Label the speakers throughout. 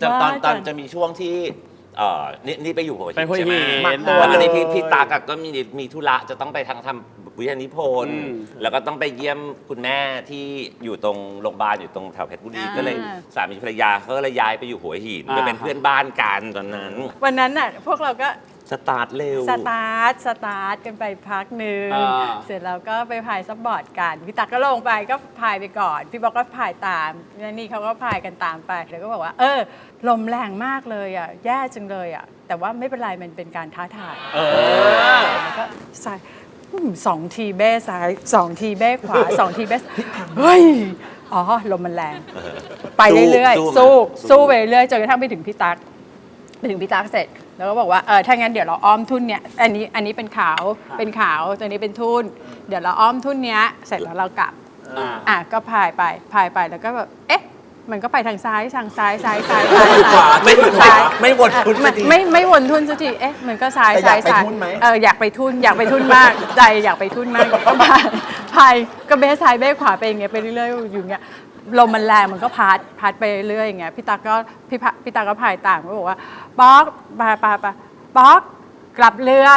Speaker 1: ตอนจะมีช่วงที่นี่ไปอยู่หัวหินใช่ไหม
Speaker 2: ตัว
Speaker 1: แล้วก็นี่พี่ตากก็มีธุระจะต้องไปทำวิทยานิพนธ์แล้วก็ต้องไปเยี่ยมคุณแม่ที่อยู่ตรงโรงพยาบาลอยู่ตรงแถวเพชรบุรีก็เลยสามีภรรยาเขาก็เลยย้ายไปอยู่หัวหินไปเป็นเพื่อนบ้านกันตอนนั้น
Speaker 3: วันนั้นน่ะพวกเราก็
Speaker 1: สตาร์ทเร็ว
Speaker 3: สตาร์ทกันไปพักหนึ่งเสร็จแล้วก็ไปพายซับบอร์ดกันพี่ตักก็ลงไปก็พายไปก่อนพี่บอกก็พายตามนี่เขาก็พายกันตามไปแล้วก็บอกว่าลมแรงมากเลยอ่ะแย่จังเลยอ่ะแต่ว่าไม่เป็นไรมันเป็นการท้าทายแล้วก็ซ้าย2 ทีเบ้ซ้าย2 ทีเบ้ขวา2 ทีเบ้เฮ้ยลมมันแรงไปเรื่อยๆสู้ไปเรื่อยจนกระทั่งไปถึงพี่ตักเสร็จแล้วก็บอกว่าถ้างั้นเดี๋ยวเราอ้อมทุ่นเนี่ยอันนี้เป็นขาวตัวนี้เป็นทุ่นเดี๋ยวเราอ้อมทุ่นเนี้ยเสร็จแล้วเรากลับก็พายไปแล้วก็แบบมันก็ไปทางซ้าย
Speaker 1: ขวาไม่วนทุ่นสักที
Speaker 3: ไม่วนทุ่นสักทีมันก็ซ้ายอยากไปทุ่นมากใจอยากไปทุ่นมากก็พายก็เบ้ซ้ายเบ้ขวาไปอย่างเงี้ยไปเรื่อยๆอยู่อย่างเงี้ยลมมันแรงมันก็พัดไปเรื่อยอย่างเงี้ยพี่ตาก็พายต่างก็บอกว่าป๊อกป๊อกกลับเรือ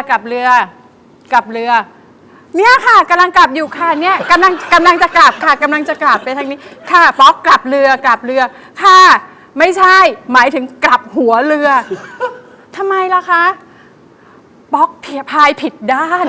Speaker 3: เนี่ยค่ะกำลังกลับอยู่ค่ะเนี่ยกำลังจะกลับค่ะกำลังจะกลับไปทางนี้ค่ะป๊อกกลับเรือค่ะไม่ใช่หมายถึงกลับหัวเรือทำไมล่ะคะป๊อกพายผิดด้าน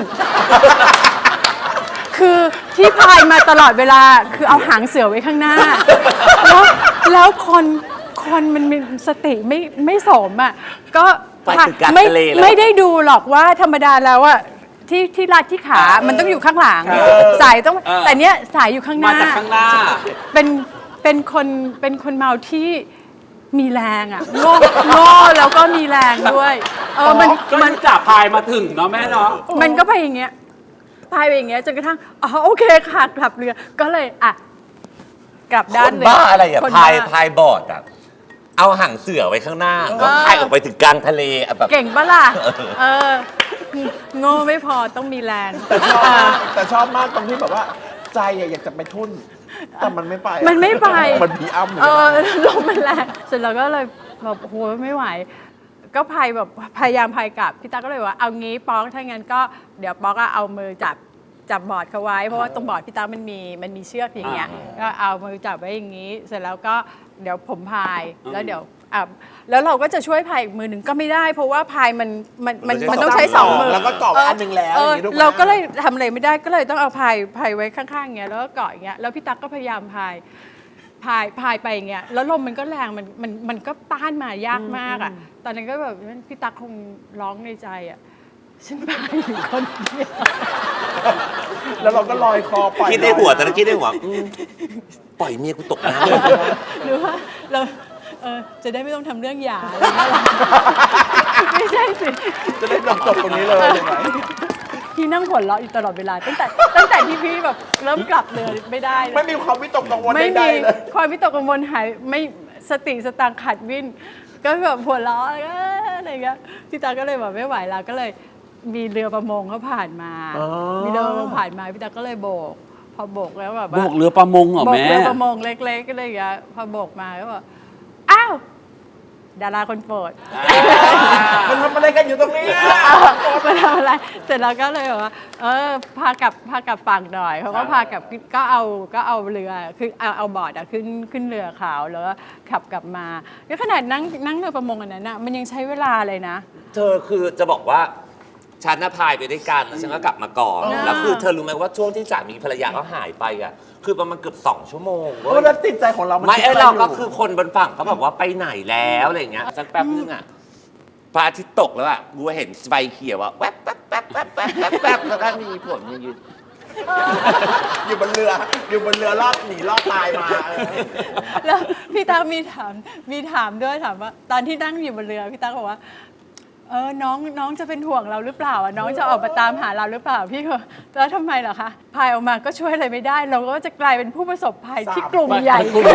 Speaker 3: คือที่พายมาตลอดเวลาคือเอาหางเสือไว้ข้างหน้าแล้วคนมันมีสติไม่สมอ่ะก็ไม่ได้ดูหรอกว่าธรรมดาแล้วอ่ะที่รัดที่ขามันต้องอยู่ข้างหลังสายต้องแต่เนี้ยสายอยู่ข้างหน้า
Speaker 2: มาจากข้างหน้า
Speaker 3: เป็นคนเมาที่มีแรงอ่ะโง่แล้วก็มีแรงด้วย
Speaker 2: มันจับพายมาถึงเนาะแม่เนาะ
Speaker 3: มันก็ไปอย่างเงี้ยพายไปอย่างเงี้ยจนกระทั่งโอเคค่ะกลับเรือก็เลยกลับด้านเลย
Speaker 1: บ้าอะไรอ่ะพายบอร์ดอ่ะเอาหางเสือไว้ข้างหน้าก็พายออกไปถึงกลางทะเลแบบ
Speaker 3: เก่งปะล่ะโง่ไม่พอต้องมีแรง
Speaker 4: แต่ชอบมากตรงที่แบบว่าใจอยากจะไปทุ่นแต่มันไม่ไป
Speaker 3: มัน
Speaker 4: ผีอ้ำ
Speaker 3: ลมมันแรงเสร็จแล้วก็เลยแบบโหไม่ไหวก็พายแบบพยายามพายกลับพี่ตาก็เลยว่าเอางี้ป๊อกถ้างั้นก็เดี๋ยวป๊อกเอามือจับบอร์ดเขาไว้เพราะว่าตรงบอร์ดพี่ตามันมีเชือกอย่างเงี้ยก็เอามือจับไว้อย่างนี้เสร็จแล้วก็เดี๋ยวผมพายแล้วเดี๋ยวแล้วเราก็จะช่วยพายอีกมือหนึ่งก็ไม่ได้เพราะว่าพายมันต้องใช้2 มือ
Speaker 4: แล้วก็เกาะอันนึงแล้ว
Speaker 3: เราก็เลยทำอะไรไม่ได้ก็เลยต้องเอาพายไว้ข้างๆอย่างเงี้ยแล้วก็เกาะอย่างเงี้ยแล้วพี่ตั๊กก็พยายามพายไปอย่างเงี้ยแล้วลมมันก็แรงมันก็ต้านมายากมากอ่ะตอนนั้นก็แบบพี่ตั๊กคงร้องในใจอ่ะฉันพายอยู่คนเดียว
Speaker 4: แล้วเราก็ลอยคอปล่อย
Speaker 1: คิดในหัวแต่คิดในหัวปล่อยเมียกูตกน้
Speaker 3: ำหรือว่าเราจะได้ไม่ต้องทำเรื่องหย่าอะไรเงี้ยไม่ใช่สิ
Speaker 4: จะได้จบตรงนี้เลยใช่ไหม
Speaker 3: พี่นั่งหัวเราะอยู่ตลอดเวลาตั้งแต่ที่พี่แบบเริ่มกลับเรือไม่ได้
Speaker 4: ไม่มีความวิตกกังวล
Speaker 3: ไม่มีความวิตกกังวลหายไม่สติสตางค์ขาดวิ่นก็แบบหัวเราะอะไรเงี้ยพี่ตาก็เลยแบบไม่ไหวแล้วก็เลยมีเรือประมงเขาผ่านมามีเรือประมงผ่านมาพี่ตาก็เลยโบกพอโบกแล้วแบบ
Speaker 2: โบกเรือประมงเหรอแม่
Speaker 3: โบกเรือประมงเล็กๆก็เลยอย่างเงี้ยพอโบกมาก็บอกอ้าวดาราคนโปรด
Speaker 4: มันทำอะไรกันอยู่ตรงนี้
Speaker 3: มันทำอะไรเสร็จแล้วก็เลยบอกว่าพากลับฝั่งหน่อยเขาก็พากลับก็เอาเรือคือเอาบอร์ดขึ้นเรือขาวแล้วก็ขับกลับมาแล้วขนาดนั่งเรือประมงอันนั้นน่ะมันยังใช้เวลาเลยนะ
Speaker 1: เธอคือจะบอกว่าฉันน่ะพายไปด้วยกันแล้วฉันก็กลับมาก่อนแล้วคือเธอรู้ไหมว่าช่วงที่สามีภรรยาเขาหายไปอ่ะคือประมาณเกือบ2 ชั่วโมงเว้ย
Speaker 4: แล้วติดใจของเรา
Speaker 1: ไม่เราก็คือคนบนฝั่งเขาบอกว่าไปไหนแล้วอะไรอย่างเงี้ยสักแป๊บนึงอ่ะพระอาทิตย์ตกแล้วอ่ะกูเห็นไฟเขียวอ่ะแว๊บแล้วก็มีผลยืน
Speaker 4: อยู่บนเรือรอดหนีรอดตายมา
Speaker 3: แล้วพี่ตั๊กมีถามด้วยถามว่าตอนที่นั่งอยู่บนเรือพี่ตั๊กบอกว่าน้องจะเป็นห่วงเราหรือเปล่าน้องจะออกมาตามหาเราหรือเปล่าพี่ก็แล้วทำไมเหรอคะพายออกมาก็ช่วยอะไรไม่ได้เราก็จะกลายเป็นผู้ประสบภัยที่กลุ่มใหญ่ขึ้น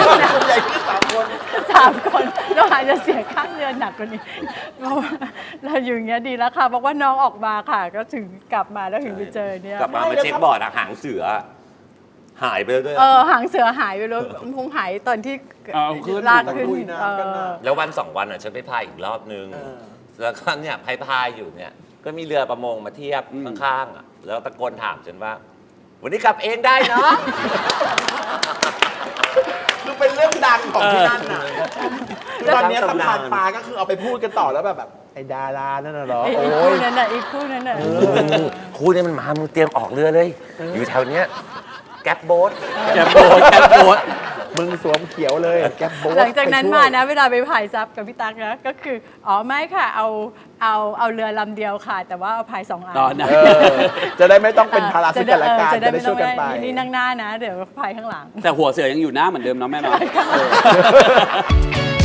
Speaker 3: 3 คนเราอาจจะเสียค่าเรือหนักกว่านี้เราอยู่อย่างเงี้ยดีแล้วค่ะบอกว่าน้องออกมาค่ะก็ถึงกลับมาแล้วถึงไปเจอเนี่ย
Speaker 1: กลับมาเช็คบอร์ดหางเสือหายไปแล้วด้วย
Speaker 3: หางเสือหายไปแล้วคงหายตอนที่
Speaker 2: เอาขึ้น
Speaker 3: ลากขึ้น
Speaker 4: ตะกุยน้ำกันน่ะ
Speaker 1: แล้ววัน 2 วันฉันไปพายอีกรอบนึง แล้วก็เนี่ยพายอยู่เนี่ย ก็มีเรือประมงมาเทียบข้างๆอะแล้วตะโกนถามฉันว่า วันนี้กลับเองได้เนาะ
Speaker 4: คือเป็นเรื่องดังของที่นั่นน่ะคือตอนนี้สะพานปลาก็คือเอาไปพูดกันต่อแล้วแบบไอ้ดารานั่นน่ะเหรอ
Speaker 3: อีก
Speaker 4: โอ้
Speaker 3: คู่
Speaker 4: ย
Speaker 3: นั้นน่ะอีกคู่นั้นน่ะ
Speaker 1: คู่นี้มันมามึงเตรียมออกเรือเลย อยู่แถวเนี้ยแก๊ปโบ๊ท
Speaker 2: แกโบดแกโบด
Speaker 4: มึงสวมเขียวเลยแก๊ปโบ๊ท
Speaker 3: หลังจากนั้น
Speaker 4: ไปช่วย
Speaker 3: มานะเวลาไปพายซับกับพี่ตั๊กนะก็คือไม่ค่ะเอาเรือลำเดียวค่ะ แต่ว่าเอาพาย2 อัน
Speaker 2: ตอนนั้น
Speaker 4: จะได้ไม่ต้องเป็นภาระซึ่งกันและกันจะได้ช่วยกันไป
Speaker 3: นี่นั่งหน้านะ เดี๋ยวพายข้างหลัง
Speaker 2: แต่หัวเสือยังอยู่หน้าเหมือนเดิมเนาะแม่เนาะ